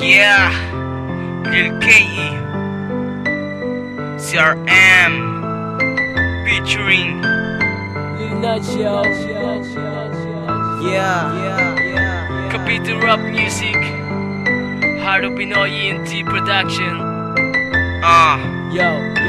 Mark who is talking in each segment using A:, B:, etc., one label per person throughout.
A: Yeah, Lil K.E. CRM featuring
B: Lil Nacho.
A: Yeah, Kapito Rap Music, Hard of Pinoy ENT Production.
B: Yo,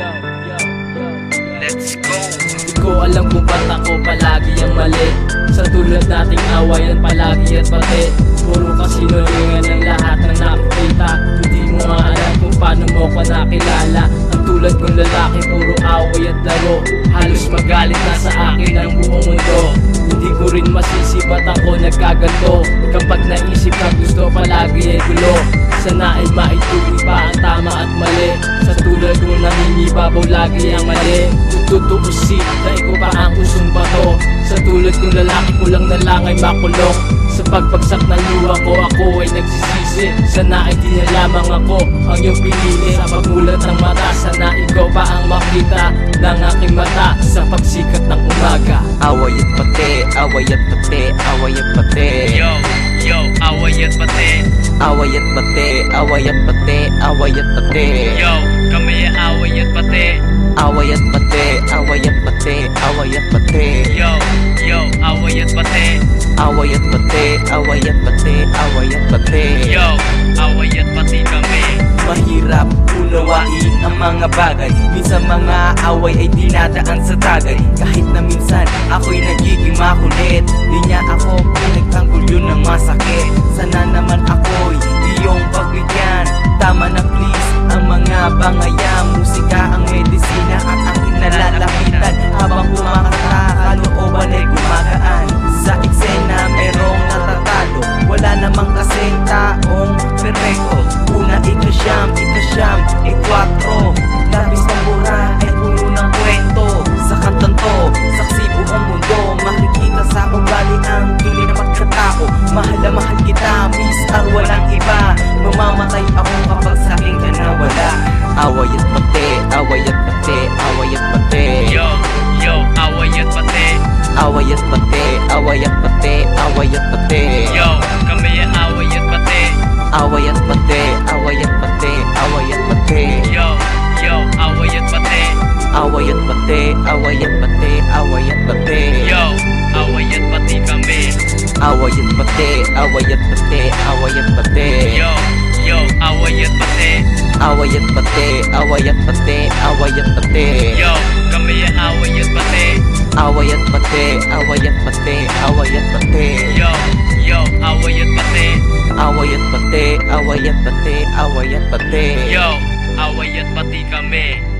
A: Let's go.
B: di ko alam kung ba't ako palagi ang mali. Sa tulad nating awayan palagi at pati. Puro kasinungalingan ng lahat ng nakikita. Hindi mo nga alam kung paano mo ko nakilala. Ang tulad kong lalaki puro away at laro. Halos magalit na sa akin ang buong mundo. Hindi ko rin masisi ba't ako nagkaganto. Kapag naisip na gusto palagi ay gulo. Sana ay maituloy pa ang tama at mali. Sa tulad kong nangingibabaw lagi ang mali. Tutuusin na ikaw pa ang usong bato. Sa tulad kong lalaki ko lang na lang ay makulong. Sa pagpagsak ng luha ko ako ay nagsisisi. Sana ay di na lamang ako ang iyong pinili. Sa pagmulat ng mata sana ikaw pa ang makita ng aking mata sa pagsikat ng umaga.
C: Away at pati, away at pati, away at pati.
A: Yo, away at pati.
C: Away at pati, away at pati, away at pati.
A: Yo, kami ay away at pati.
C: Away at pati, away at pati, away at pati.
A: Yo, away at pati.
C: Away at pati, away at pati, away at pati.
A: Yo, away at pati kami.
C: Mahirap unawain ang mga bagay. Minsan mga away ay dinadaan sa tagay. Kahit na minsan ako'y nagiging makulit. Di niya ako pinagtanggol yun ng masakit. Sana naman ako'y iyong pagbigyan. Tama na please ang mga bangaya. Musika ang medisina at aking nalalapitan. Habang kumakanta kalooban ay gumagaan. Sa eksena merong natatalo. Wala namang kasing taong perfecto. Una ikasyam, ikwatro. Labis ng mura ay puno ng kwento. Sa kantang to, saksi buong mundo. Makikita sa ugali ang tunay na magkatao. Mahal na mahal kita, mister, walang iba. Mamamatay ako kapag sa'kin ka nawala. Away at pati, away at pati, away at pati.
A: Yo, away at pati.
C: Away at pati, away at pati, away at pati.
A: Yo, kami ay away at pati.
C: Away at pati, away at pati, away at pati.
A: Yo, away at pati.
C: Away at pati, away at pati, away at pati.
A: Yo, away at pati kami.
C: Away at pati, away at pati, away at pati.
A: Yo, away at pati.
C: Away at pati, away at pati, away at pati.
A: Yo, kami ay away at pati.
C: Away at pati, away at pati, away at pati.
A: Yo, away at pati.
C: Away at pati, away at pati, away at pati.
A: Yo, away at pati kami.